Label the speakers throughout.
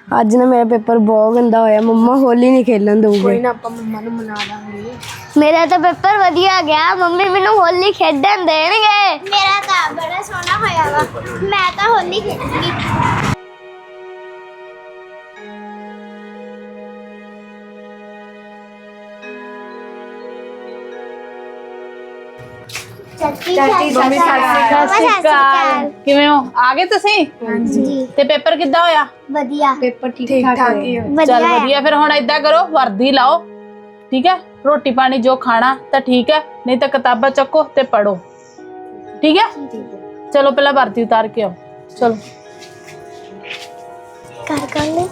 Speaker 1: ਅੱਜ ਨਾ ਮੇਰਾ ਪੇਪਰ ਬਹੁਤ ਗੰਦਾ ਹੋਇਆ। ਮੰਮਾ ਹੋਲੀ ਨਹੀਂ ਖੇਲਣ ਦਊਗੇ।
Speaker 2: ਕੋਈ ਨਾ ਆਪਾਂ ਮੰਮਾ ਨੂੰ ਮਨਾ ਲਾਂਗੇ।
Speaker 3: ਮੇਰਾ ਤਾਂ ਪੇਪਰ ਵਧੀਆ ਗਿਆ। ਮੰਮੀ ਮੈਨੂੰ ਹੋਲੀ ਖੇਡਣ ਦੇਣਗੇ। ਮੇਰਾ ਤਾਂ ਬੜਾ ਸੋਹਣਾ ਹੋਇਆ ਵਾ। ਮੈਂ ਤਾਂ ਹੋਲੀ ਖੇਡੂੰਗੀ। ਚਾਚੀ
Speaker 2: ਮੰਮੀ ਸਤਿ ਸ਼੍ਰੀ ਅਕਾਲ।
Speaker 4: ਕਿਵੇਂ ਹੋ? ਆ ਗਏ ਤੁਸੀਂ?
Speaker 3: ਹਾਂਜੀ
Speaker 4: ਤੇ ਪੇਪਰ ਕਿੱਦਾਂ ਹੋਇਆ?
Speaker 3: ਵਧੀਆ
Speaker 2: ਪੇਪਰ ਠੀਕ ਠਾਕ ਹੀ ਹੋਇਆ।
Speaker 4: ਚੱਲ ਵਧੀਆ। ਫਿਰ ਹੁਣ ਏਦਾਂ ਕਰੋ, ਵਰਦੀ ਲਾਓ, ਠੀਕ ਹੈ? ਰੋਟੀ ਪਾਣੀ ਜੋ ਖਾਣਾ ਤਾਂ ਠੀਕ ਹੈ, ਨਹੀਂ ਤਾਂ ਕਿਤਾਬਾਂ ਚੱਕੋ ਤੇ ਪੜੋ, ਠੀਕ ਹੈ? ਚਲੋ ਪਹਿਲਾਂ ਵਰਦੀ ਉਤਾਰ ਕੇ ਆਓ। ਚਲੋ
Speaker 3: ਕਰ ਕਰਨੇ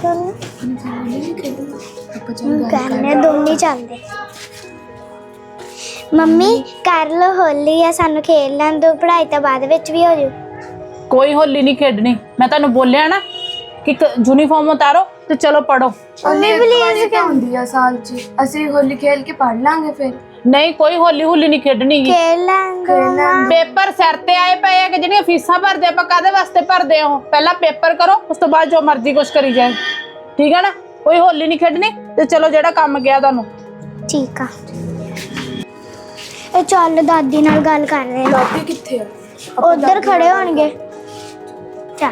Speaker 3: ਦੋਨੇ ਚੱਲਦੇ। ਮੰਮੀ ਕਰ ਲੋ ਹੋਲੀ ਆ, ਸਾਨੂੰ ਖੇਡ ਲੈਣ ਦੋ, ਪੜ੍ਹਾਈ ਤਾਂ ਬਾਅਦ ਵਿੱਚ ਵੀ ਹੋ ਜੂ।
Speaker 4: ਕੋਈ ਹੋਲੀ ਨਹੀਂ ਖੇਡਣੀ। ਮੈਂ ਤੁਹਾਨੂੰ ਬੋਲਿਆ ਨਾ ਕਿ ਯੂਨੀਫਾਰਮ ਉਤਾਰੋ ਤੇ ਚਲੋ ਪੜੋ।
Speaker 2: ਮੰਮੀ ਪਲੀਜ਼ ਕਿਉਂ ਹੁੰਦੀ ਆ ਸਾਲ 'ਚ? ਅਸੀਂ ਹੋਲੀ ਖੇਲ ਕੇ ਪੜ ਲਾਂਗੇ ਫਿਰ।
Speaker 4: ਨਹੀਂ, ਕੋਈ ਹੋਲੀ ਹੁਲੀ ਨਹੀਂ ਖੇਡਣੀ ਗੀ।
Speaker 3: ਖੇਡ ਲਾਂਗੇ।
Speaker 4: ਪੇਪਰ ਸਿਰ ਤੇ ਆਏ ਪਏ ਆ ਕਿ ਜਿਹੜੀਆਂ ਫੀਸਾਂ ਭਰਦੇ ਆਪਾਂ ਕਾਹਦੇ ਵਾਸਤੇ ਭਰਦੇ ਆ? ਉਹ ਪਹਿਲਾਂ ਪੇਪਰ ਕਰੋ, ਉਸ ਤੋਂ ਬਾਅਦ ਜੋ ਮਰਜ਼ੀ ਕੁਛ ਕਰੀ ਜਾਏ, ਠੀਕ ਹੈ ਨਾ? ਕੋਈ ਹੋਲੀ ਨਹੀਂ ਖੇਡਣੀ। ਤੇ ਚਲੋ ਜਿਹੜਾ ਕੰਮ ਗਿਆ ਤੁਹਾਨੂੰ।
Speaker 3: ਠੀਕ ਆ। ਇਹ ਚੱਲ ਦਾਦੀ ਨਾਲ ਗੱਲ ਕਰ ਰਹੇ ਆ।
Speaker 2: ਦਾਦੀ ਕਿੱਥੇ ਆ?
Speaker 3: ਉਧਰ ਖੜੇ ਹੋਣਗੇ। ਚੱਲ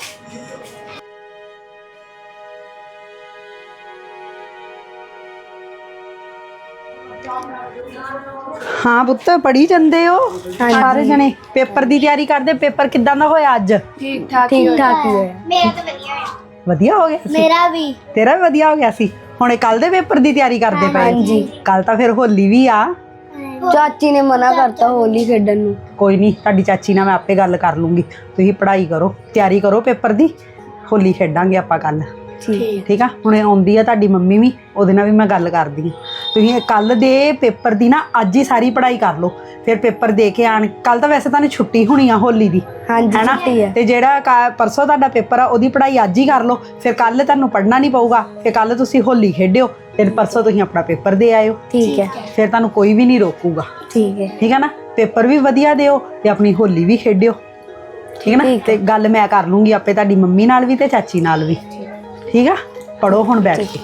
Speaker 5: हाँ पुत्त पढ़ी जाते हो सारे जने? पेपर की तैयारी करते। पेपर किदां दा होया अज?
Speaker 2: ठीक ठाक ही होया।
Speaker 3: ਮੇਰਾ ਤਾਂ ਵਧੀਆ ਹੋਇਆ।
Speaker 5: वधिया हो गया सी?
Speaker 3: ਮੇਰਾ ਵੀ।
Speaker 5: तेरा भी वधिया हो गया सी। हुणे कल दे पेपर की तैयारी करते पे? कल तां फिर होली भी आ।
Speaker 1: ਚਾਚੀ ਨੇ ਮਨਾ ਕਰਤਾ ਹੋਲੀ ਖੇਡਣ ਨੂੰ।
Speaker 5: कोई नहीं, तुहाडी चाची नाल मैं आपे गल कर लूँगी। तुसीं पढ़ाई करो, तैयारी करो पेपर की। होली खेडांगे आपां कल, ठीक आ? हुणे आउंदी आ तुहाडी मम्मी भी, ਉਹਦੇ ਨਾਲ ਵੀ ਮੈਂ ਗੱਲ ਕਰਦੀ ਹਾਂ। ਤੁਸੀਂ ਕੱਲ ਦੇ ਪੇਪਰ ਦੀ ਨਾ ਅੱਜ ਹੀ ਸਾਰੀ ਪੜ੍ਹਾਈ ਕਰ ਲਓ, ਫਿਰ ਪੇਪਰ ਦੇ ਕੇ ਆਣ। ਕੱਲ ਤਾਂ ਵੈਸੇ ਤੁਹਾਨੂੰ ਛੁੱਟੀ ਹੋਣੀ ਆ ਹੋਲੀ ਦੀ,
Speaker 1: ਹਾਂਜੀ ਛੁੱਟੀ ਹੈ।
Speaker 5: ਤੇ ਜਿਹੜਾ ਪਰਸੋਂ ਤੁਹਾਡਾ ਪੇਪਰ ਆ ਉਹਦੀ ਪੜ੍ਹਾਈ ਅੱਜ ਹੀ ਕਰ ਲਓ। ਫਿਰ ਕੱਲ ਤੁਹਾਨੂੰ ਪੜ੍ਹਨਾ ਨਹੀਂ ਪਊਗਾ, ਤੇ ਕੱਲ ਤੁਸੀਂ ਹੋਲੀ ਖੇਡਿਓ, ਤੇ ਪਰਸੋਂ ਤੁਸੀਂ ਆਪਣਾ ਪੇਪਰ ਦੇ ਆਇਓ,
Speaker 1: ਠੀਕ ਹੈ?
Speaker 5: ਫਿਰ ਤੁਹਾਨੂੰ ਕੋਈ ਵੀ ਨਹੀਂ ਰੋਕੂਗਾ,
Speaker 1: ਠੀਕ ਹੈ।
Speaker 5: ਠੀਕ ਹੈ ਨਾ? ਪੇਪਰ ਵੀ ਵਧੀਆ ਦਿਓ ਤੇ ਆਪਣੀ ਹੋਲੀ ਵੀ ਖੇਡਿਓ, ਠੀਕ ਹੈ ਨਾ? ਤੇ ਗੱਲ ਮੈਂ ਕਰ ਲੂੰਗੀ ਆਪੇ ਤੁਹਾਡੀ ਮੰਮੀ ਨਾਲ ਵੀ ਤੇ ਚਾਚੀ ਨਾਲ ਵੀ, ਠੀਕ ਆ? ਪੜੋ ਹੁਣ ਬੈਠ ਕੇ।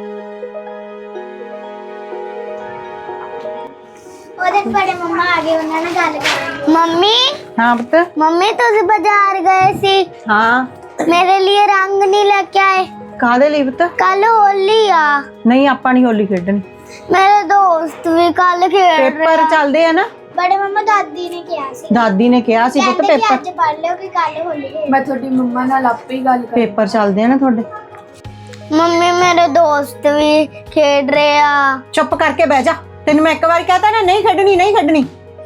Speaker 3: ਉਹਦੇ ਬੜੇ ਮੰਮਾ ਆ ਗਏ, ਉਹਨਾਂ ਨਾਲ ਗੱਲ ਕਰਾਂਗੇ। ਮੰਮੀ
Speaker 5: हाँ पुत्त।
Speaker 3: ਮੰਮੀ ਤੁਸੀਂ ਬਾਜ਼ਾਰ ਗਏ ਸੀ,
Speaker 5: हाँ
Speaker 3: ਮੇਰੇ ਲਈ ਰੰਗ ਨਹੀਂ ਲੈ ਕੇ ਆਏ।
Speaker 5: काहदे लई पुत्त?
Speaker 3: ਕੱਲ ਹੋਲੀ आ।
Speaker 5: नहीं आपां नहीं होली खेडनी।
Speaker 3: ਮੇਰੇ ਦੋਸਤ ਵੀ ਕੱਲ ਖੇਡ ਰਹੇ
Speaker 5: पेपर चलदे आ ना।
Speaker 3: ਬੜੇ ਮੰਮਾ ਦਾਦੀ ਨੇ ਕਿਹਾ ਸੀ,
Speaker 5: दादी ने कहा सी पुत्त
Speaker 3: ਕਹਿੰਦੇ ਕਿ
Speaker 5: पेपर
Speaker 3: ਅੱਜ ਪੜ ਲਿਓ ਕਿ ਕੱਲ ਹੋਲੀ ਹੈ।
Speaker 2: ਮੈਂ ਤੁਹਾਡੀ ਮੰਮਾ ਨਾਲ ਆਪੇ ਹੀ ਗੱਲ ਕਰ।
Speaker 5: पेपर चलदे आ ना थोड़े।
Speaker 3: ਮੰਮੀ ਮੇਰੇ ਦੋਸਤ ਵੀ ਖੇਡ ਰਹੇ ਆ।
Speaker 5: चुप करके बह जा। तेन मैं एक बार कहता ना नहीं खेडनी नहीं खेडनी।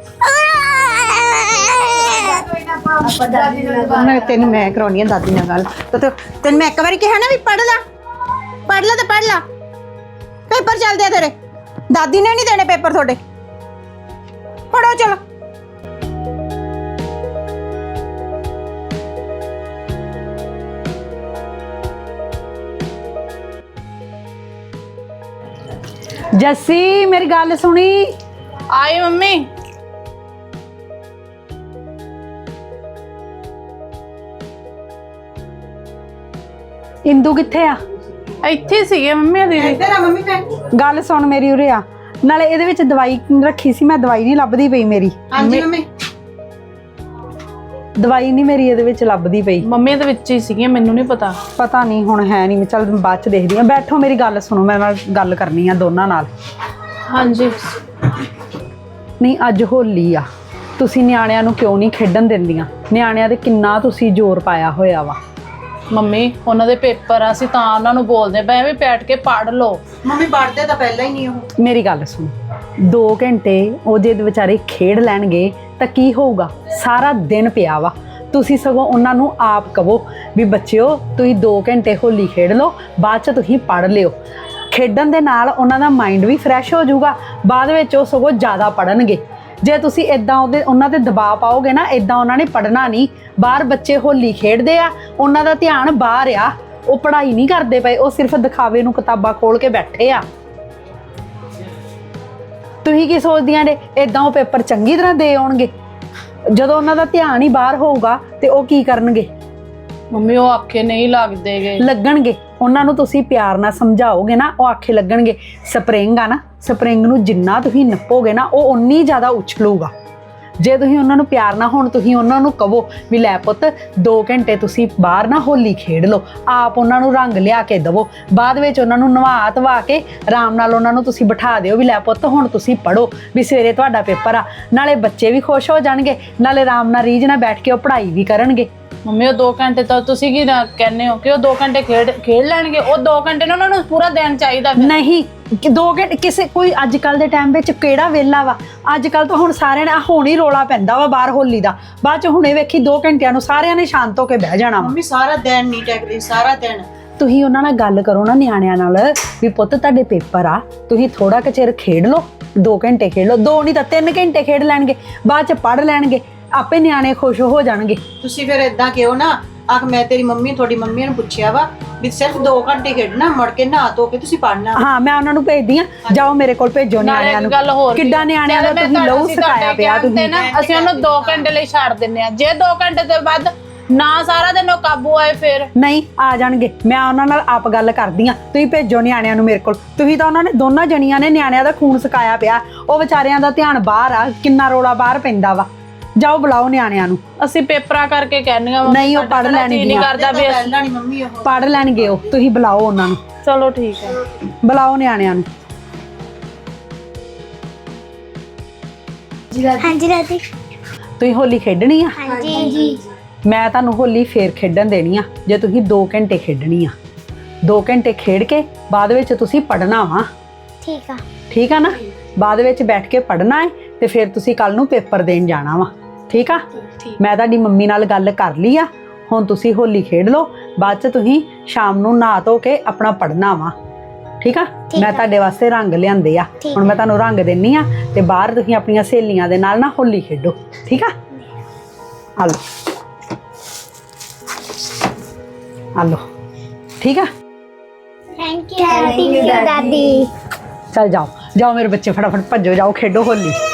Speaker 2: ਆਪਾਂ ਦਾਦੀ ਨਾਲ
Speaker 5: तेन मैं करवानी दादी नाल गल। तो तेन मैं एक बार कहा ना भी पढ़ ला तो पढ़ ला। पेपर चलदे आ तेरे। दादी ने नहीं देने पेपर थोड़े। पढ़ो चलो। जस्सी मेरी गल सुनी।
Speaker 4: ਆਏ ਮੰਮੀ।
Speaker 5: इंदू कित्थे आ?
Speaker 4: ਇੱਥੇ ਸੀਗੇ ਮੰਮੀ ਦੀਦੀ।
Speaker 5: गल सुन मेरी उरे आ। नाले ਇਹਦੇ ਵਿੱਚ ਦਵਾਈ ਰੱਖੀ ਸੀ, ਮੈਂ ਦਵਾਈ ਨਹੀਂ ਲੱਭਦੀ ਪਈ ਮੇਰੀ। ਹਾਂਜੀ ਮੰਮੀ। ਦਵਾਈ ਨਹੀਂ ਮੇਰੀ ਇਹਦੇ ਵਿੱਚ ਲੱਭਦੀ ਪਈ।
Speaker 4: ਮੰਮੀ ਦੇ ਵਿੱਚ ਹੀ ਸੀਗੀਆਂ, ਮੈਨੂੰ ਨਹੀਂ ਪਤਾ।
Speaker 5: ਪਤਾ ਨਹੀਂ ਹੁਣ ਹੈ ਨਹੀਂ। ਚੱਲ ਬਾਅਦ ਚ ਦੇਖਦੀ ਆ। ਬੈਠੋ ਮੇਰੀ ਗੱਲ ਸੁਣੋ, ਮੇਰੇ ਨਾਲ ਗੱਲ ਕਰਨੀ ਆ ਦੋਨਾਂ ਨਾਲ।
Speaker 4: ਹਾਂਜੀ।
Speaker 5: ਨਹੀਂ ਅੱਜ ਹੋਲੀ ਆ, ਤੁਸੀਂ ਨਿਆਣਿਆਂ ਨੂੰ ਕਿਉਂ ਨਹੀਂ ਖੇਡਣ ਦਿੰਦੀਆਂ? ਨਿਆਣਿਆਂ ਤੇ ਕਿੰਨਾ ਤੁਸੀਂ ਜ਼ੋਰ ਪਾਇਆ ਹੋਇਆ ਵਾ।
Speaker 4: ਮੰਮੀ ਉਹਨਾਂ ਦੇ ਪੇਪਰ ਆ, ਅਸੀਂ ਤਾਂ ਉਹਨਾਂ ਨੂੰ ਬੋਲਦੇ ਪਏ ਵੀ ਬੈਠ ਕੇ ਪੜ ਲਓ।
Speaker 5: ਮੰਮੀ ਪੜਦੇ ਤਾਂ ਪਹਿਲਾਂ ਹੀ ਨਹੀਂ ਉਹ। ਮੇਰੀ ਗੱਲ ਸੁਣ, 2 ਘੰਟੇ ਉਹ ਜੇ ਵਿਚਾਰੇ ਖੇਡ ਲੈਣਗੇ ਤਾਂ ਕੀ ਹੋਊਗਾ? ਸਾਰਾ ਦਿਨ ਪਿਆ ਵਾ। ਤੁਸੀਂ ਸਗੋਂ ਉਹਨਾਂ ਨੂੰ ਆਪ ਕਹੋ ਵੀ ਬੱਚਿਓ ਤੁਸੀਂ 2 ਘੰਟੇ ਹੋਲੀ ਖੇਡ ਲਓ, ਬਾਅਦ ਚ ਤੁਸੀਂ ਪੜ ਲਿਓ। ਖੇਡਣ ਦੇ ਨਾਲ ਉਹਨਾਂ ਦਾ ਮਾਈਂਡ ਵੀ ਫਰੈਸ਼ ਹੋ ਜਾਊਗਾ, ਬਾਅਦ ਵਿੱਚ ਉਹ ਸਗੋਂ ਜ਼ਿਆਦਾ ਪੜਨਗੇ। ਜੇ ਤੁਸੀਂ ਇਦਾਂ ਉਹਨਾਂ ਤੇ ਦਬਾਅ ਪਾਓਗੇ ਨਾ, ਇਦਾਂ ਉਹਨਾਂ ਨੇ ਪੜਨਾ ਨਹੀਂ। ਬਾਹਰ ਬੱਚੇ ਹੋਲੀ ਖੇਡਦੇ ਆ, ਉਹਨਾਂ ਦਾ ਧਿਆਨ ਬਾਹਰ ਆ, ਉਹ ਪੜ੍ਹਾਈ ਨਹੀਂ ਕਰਦੇ ਪਏ, ਉਹ ਸਿਰਫ ਦਿਖਾਵੇ ਨੂੰ ਕਿਤਾਬਾਂ ਖੋਲ ਕੇ ਬੈਠੇ ਆ। ਤੁਸੀਂ ਕੀ ਸੋਚਦੀਆਂ ਨੇ? ਇਦਾਂ ਉਹ ਪੇਪਰ ਚੰਗੀ ਤਰ੍ਹਾਂ ਦੇ ਆਉਣਗੇ? ਜਦੋਂ ਉਹਨਾਂ ਦਾ ਧਿਆਨ ਹੀ ਬਾਹਰ ਹੋਊਗਾ ਤੇ ਉਹ ਕੀ ਕਰਨਗੇ?
Speaker 4: ਮੰਮੀ ਉਹ ਆਖੇ ਨਹੀਂ ਲੱਗਦੇਗੇ।
Speaker 5: ਲੱਗਣਗੇ, ਉਹਨਾਂ ਨੂੰ ਤੁਸੀਂ ਪਿਆਰ ਨਾਲ ਸਮਝਾਓਗੇ ਨਾ, ਉਹ ਆਖੇ ਲੱਗਣਗੇ। ਸਪਰਿੰਗ ਆ ਨਾ, ਸਪਰਿੰਗ ਨੂੰ ਜਿੰਨਾ ਤੁਸੀਂ ਨੱਪੋਗੇ ਨਾ ਉਹ ਉਨੀ ਜ਼ਿਆਦਾ ਉਛਲੂਗਾ। ਜੇ ਤੁਸੀਂ ਉਹਨਾਂ ਨੂੰ ਪਿਆਰ ਨਾਲ, ਹੁਣ ਤੁਸੀਂ ਉਹਨਾਂ ਨੂੰ ਕਹੋ ਵੀ ਲੈ ਪੁੱਤ 2 ਘੰਟੇ ਤੁਸੀਂ ਬਾਹਰ ਨਾ ਹੋਲੀ ਖੇਡ ਲਓ, ਆਪ ਉਹਨਾਂ ਨੂੰ ਰੰਗ ਲਿਆ ਕੇ ਦਵੋ, ਬਾਅਦ ਵਿੱਚ ਉਹਨਾਂ ਨੂੰ ਨਵਾ ਧਵਾ ਕੇ ਆਰਾਮ ਨਾਲ ਉਹਨਾਂ ਨੂੰ ਤੁਸੀਂ ਬਿਠਾ ਦਿਓ ਵੀ ਲੈ ਪੁੱਤ ਹੁਣ ਤੁਸੀਂ ਪੜ੍ਹੋ, ਵੀ ਸਵੇਰੇ ਤੁਹਾਡਾ ਪੇਪਰ ਆ। ਨਾਲੇ ਬੱਚੇ ਵੀ ਖੁਸ਼ ਹੋ ਜਾਣਗੇ, ਨਾਲੇ ਆਰਾਮ ਨਾਲ ਰੀਝ ਨਾਲ ਬੈਠ ਕੇ ਉਹ ਪੜ੍ਹਾਈ ਵੀ ਕਰਨਗੇ।
Speaker 4: ਮੰਮੀ ਉਹ 2 ਘੰਟੇ ਤਾਂ ਤੁਸੀਂ ਕੀ ਕਹਿੰਦੇ ਹੋ ਕਿ ਉਹ 2 ਘੰਟੇ ਖੇਡ ਲੈਣਗੇ? ਉਹ 2 ਘੰਟੇ ਨਾ ਉਹਨਾਂ ਨੂੰ ਪੂਰਾ ਦਿਨ ਚਾਹੀਦਾ ਫਿਰ।
Speaker 5: ਨਹੀਂ, 2 ਘੰਟੇ ਕਿਸੇ ਕੋਈ ਅੱਜ ਕੱਲ ਦੇ ਟਾਈਮ ਵਿੱਚ ਕਿਹੜਾ ਵੇਲਾ ਵਾ? ਅੱਜ ਕੱਲ ਤਾਂ ਹੁਣ ਸਾਰਿਆਂ ਨੇ ਹੁਣ ਹੀ ਰੋਲਾ ਪੈਂਦਾ ਵਾ ਬਾਹਰ ਹੋਲੀ ਦਾ, ਬਾਅਦ ਚ ਹੁਣੇ ਵੇਖੀ 2 ਘੰਟਿਆਂ ਨੂੰ ਸਾਰਿਆਂ ਨੇ ਸ਼ਾਂਤ ਹੋ ਕੇ ਬਹਿ ਜਾਣਾ ਵਾ।
Speaker 6: ਮੰਮੀ ਸਾਰਾ ਦਿਨ ਨਹੀਂ ਟੈਕਦੇ, ਸਾਰਾ ਦਿਨ।
Speaker 5: ਤੁਸੀਂ ਉਹਨਾਂ ਨਾਲ ਗੱਲ ਕਰੋ ਨਾ ਨਿਆਣਿਆਂ ਨਾਲ ਵੀ ਪੁੱਤ ਤੁਹਾਡੇ ਪੇਪਰ ਆ, ਤੁਸੀਂ ਥੋੜਾ ਕੁ ਚਿਰ ਖੇਡ ਲਓ, 2 ਘੰਟੇ ਖੇਡ ਲਓ, 2 ਨਹੀਂ ਤਾਂ 3 ਘੰਟੇ ਖੇਡ ਲੈਣਗੇ, ਬਾਅਦ ਚ ਪੜ੍ਹ ਲੈਣਗੇ, ਆਪੇ ਨਿਆਣੇ ਖੁਸ਼ ਹੋ ਜਾਣਗੇ।
Speaker 6: ਤੁਸੀਂ ਫਿਰ ਇਦਾਂ ਕਿਉਂ ਨਾ ਆਖ, ਮੈਂ ਤੇਰੀ ਮੰਮੀ ਤੁਹਾਡੀ ਮੰਮੀ ਨੂੰ ਪੁੱਛਿਆ ਵਾ ਵੀ ਸਿਰਫ 2 ਘੰਟੇ ਖੇਡਣਾ, ਮੁੜ ਕੇ ਨਹਾ ਧੋ ਕੇ ਤੁਸੀਂ ਪੜ੍ਹਨਾ।
Speaker 5: ਹਾਂ, ਮੈਂ ਉਹਨਾਂ ਨੂੰ ਭੇਜਦੀ ਆ, ਜਾਓ ਮੇਰੇ ਕੋਲ ਭੇਜੋ ਨਿਆਣਿਆਂ ਨੂੰ।
Speaker 4: ਗੱਲ ਹੋਰ
Speaker 5: ਕਿੱਦਾਂ ਨਿਆਣਿਆਂ ਦਾ ਤੁਸੀਂ ਲਹੂ ਸਿਕਾਇਆ ਪਿਆ ਤੁਸੀਂ।
Speaker 4: ਅਸੀਂ ਉਹਨੂੰ 2 ਘੰਟੇ ਲਈ ਛੱਡ ਦਿੰਨੇ ਆ, ਜੇ 2 ਘੰਟੇ ਤੋਂ ਬਾਅਦ ਨਾ ਸਾਰਾ ਦਿਨ ਉਹ ਕਾਬੂ ਆਏ ਫਿਰ
Speaker 5: ਨਹੀਂ ਆ ਜਾਣਗੇ, ਮੈਂ ਉਹਨਾਂ ਨਾਲ ਆਪ ਗੱਲ ਕਰਦੀ ਆ, ਤੁਸੀਂ ਭੇਜੋ ਨਿਆਣਿਆਂ ਨੂੰ ਮੇਰੇ ਕੋਲ। ਤੁਸੀਂ ਤਾਂ ਉਹਨਾਂ ਨੇ ਦੋਨਾਂ ਜਣੀਆਂ ਨੇ ਨਿਆਣਿਆਂ ਦਾ ਖੂਨ ਸਿਕਾਇਆ ਪਿਆ, ਉਹ ਵਿਚਾਰਿਆਂ ਦਾ ਧਿਆਨ ਬਾਹਰ ਆ, ਕਿੰਨਾ ਰੋਲਾ ਬਾਹਰ ਪੈਂਦਾ ਵਾ। ਜਾਓ ਬੁਲਾਓ ਨਿਆਣਿਆਂ ਨੂੰ।
Speaker 4: ਅਸੀਂ ਪੇਪਰਾਂ ਕਰਕੇ ਕਹਿੰਨੀਆਂ
Speaker 5: ਨਹੀਂ, ਉਹ ਪੜ੍ਹ ਲੈਣਗੇ,
Speaker 4: ਨਹੀਂ ਕਰਦਾ ਵੀ
Speaker 6: ਪਹਿਲਾਂ ਨਹੀਂ ਮੰਮੀ ਉਹ
Speaker 5: ਪੜ੍ਹ ਲੈਣਗੇ ਉਹ, ਤੁਸੀਂ ਬੁਲਾਓ ਉਹਨਾਂ ਨੂੰ।
Speaker 4: ਚਲੋ ਠੀਕ ਹੈ,
Speaker 5: ਬੁਲਾਓ ਨਿਆਣਿਆਂ ਨੂੰ।
Speaker 3: ਹਾਂਜੀ ਦਾਦੀ।
Speaker 5: ਤੁਸੀਂ ਹੋਲੀ ਖੇਡਣੀ ਆ?
Speaker 3: ਹਾਂਜੀ
Speaker 5: ਮੈਂ ਤੁਹਾਨੂੰ ਹੋਲੀ ਫੇਰ ਖੇਡਣ ਦੇਣੀ ਆ ਜੇ ਤੁਸੀਂ 2 ਘੰਟੇ ਖੇਡਣੀ ਆ। 2 ਘੰਟੇ ਖੇਡ ਕੇ ਬਾਅਦ ਵਿੱਚ ਤੁਸੀਂ ਪੜ੍ਹਨਾ ਵਾ।
Speaker 3: ਠੀਕ ਆ।
Speaker 5: ਠੀਕ ਆ ਨਾ? ਬਾਅਦ ਵਿੱਚ ਬੈਠ ਕੇ ਪੜ੍ਹਨਾ ਹੈ ਤੇ ਫਿਰ ਤੁਸੀਂ ਕੱਲ ਨੂੰ ਪੇਪਰ ਦੇਣ ਜਾਣਾ ਵਾ। ਠੀਕ ਆ? ਮੈਂ ਤੁਹਾਡੀ ਮੰਮੀ ਨਾਲ ਗੱਲ ਕਰ ਲਈ ਆ, ਹੁਣ ਤੁਸੀਂ ਹੋਲੀ ਖੇਡ ਲਓ, ਬਾਅਦ ਚ ਤੁਸੀਂ ਸ਼ਾਮ ਨੂੰ ਨਹਾ ਧੋ ਕੇ ਆਪਣਾ ਪੜ੍ਹਨਾ ਵਾ। ਠੀਕ ਆ? ਮੈਂ ਤੁਹਾਡੇ ਵਾਸਤੇ ਰੰਗ ਲਿਆਂਦੇ ਆ, ਹੁਣ ਮੈਂ ਤੁਹਾਨੂੰ ਰੰਗ ਦੇਣੀ ਆ ਤੇ ਬਾਹਰ ਤੁਸੀਂ ਆਪਣੀਆਂ ਸਹੇਲੀਆਂ ਦੇ ਨਾਲ ਨਾ ਹੋਲੀ ਖੇਡੋ। ਠੀਕ ਆ? ਆ ਲਓ, ਆ ਲਓ। ਠੀਕ ਆ?
Speaker 3: ਥੈਂਕ ਯੂ ਦਾਦੀ।
Speaker 5: ਚਲ ਜਾਓ ਜਾਓ ਮੇਰੇ ਬੱਚੇ, ਫਟਾਫਟ ਭੱਜੋ, ਜਾਓ ਖੇਡੋ ਹੋਲੀ।